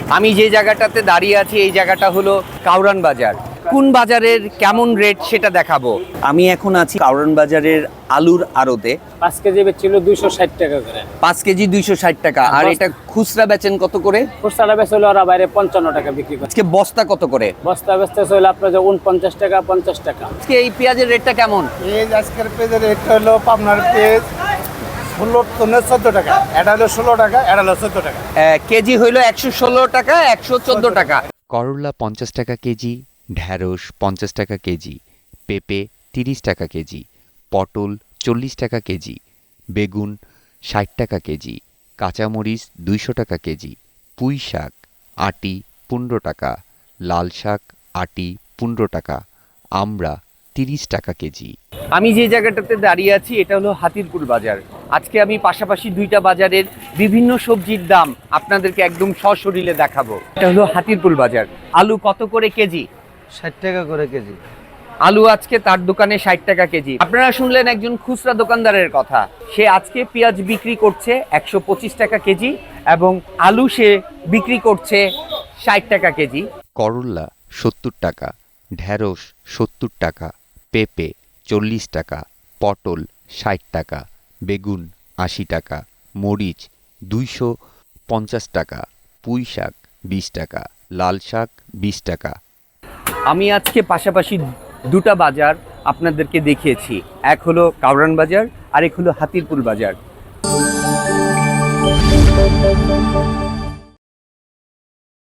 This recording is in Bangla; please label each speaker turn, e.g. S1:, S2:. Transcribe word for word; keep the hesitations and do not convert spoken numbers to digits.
S1: আমি যে জায়গাটাতে দাঁড়িয়ে আছি এই জায়গাটা হলো কাউরান বাজার। কোন বাজারের কেমন রেট সেটা দেখাবো। আমি এখন আছি কাউরান বাজারের আলুর আড়তে।
S2: পাঁচ কেজি বেচছিল দুইশো ষাট টাকা করে।
S1: পাঁচ কেজি দুইশো ষাট টাকা। আর এটা খুচরা বেচেন কত করে?
S2: খুচরা বেচছিল ওরা বাইরে পঞ্চান্ন টাকা বিক্রি করে।
S1: আজকে বস্তা কত করে?
S2: বস্তা বেচতে হলো আপনার যে উনপঞ্চাশ টাকা পঞ্চাশ টাকা।
S1: আজকে এই পেঁয়াজের রেটটা কেমন?
S3: পেঁয়াজ আজকের পেঁয়াজের রেট হলো পাবনার পেঁয়াজ ষোলো চোদ্দো টাকা, এটা হলো ষোলো টাকা, এটা হলো চোদ্দো টাকা।
S1: কেজি হইলো একশো ষোলো টাকা, একশো চোদ্দ টাকা।
S4: করলা পঞ্চাশ টাকা কেজি, ঢ্যাঁড়স পঞ্চাশ টাকা কেজি, পেঁপে তিরিশ টাকা কেজি, পটল চল্লিশ টাকা কেজি, বেগুন ষাট টাকা কেজি, কাঁচামরিচ দুইশো টাকা কেজি, পুঁই শাক আটি পনেরো টাকা, লাল শাক আটি পনেরো টাকা, আমড়া তিরিশ টাকা কেজি।
S1: আমি যে জায়গাটাতে দাঁড়িয়ে আছি এটা হলো হাতিরপুল বাজার। আজকে আমি পাশাপাশি দুইটা বাজারের বিভিন্ন সবজির দাম আপনাদেরকে একদম সশরীরে দেখাবো। এটা হলো হাতিরপুল বাজার। আলু কত করে কেজি?
S3: ষাট টাকা করে কেজি।
S1: আলু আজকে তার দোকানে ষাট টাকা কেজি। আপনারা শুনলেন একজন খুচরা দোকানদারের কথা। সে আজকে পেঁয়াজ বিক্রি করছে একশো পঁচিশ টাকা কেজি এবং আলু সে বিক্রি করছে ষাট টাকা কেজি।
S4: করলা সত্তর টাকা, ঢ্যাঁড়স সত্তর টাকা, পেঁপে চল্লিশ টাকা, পটল ষাট টাকা, বেগুন আশি টাকা, মরিচ দুইশো পঞ্চাশ টাকা, পুঁই শাক বিশ টাকা, লাল শাক বিশ টাকা।
S1: আমি আজকে পাশাপাশি দুটা বাজার আপনাদেরকে দেখিয়েছি। এক হলো কাউরান বাজার আর এক হলো হাতিরপুল বাজার।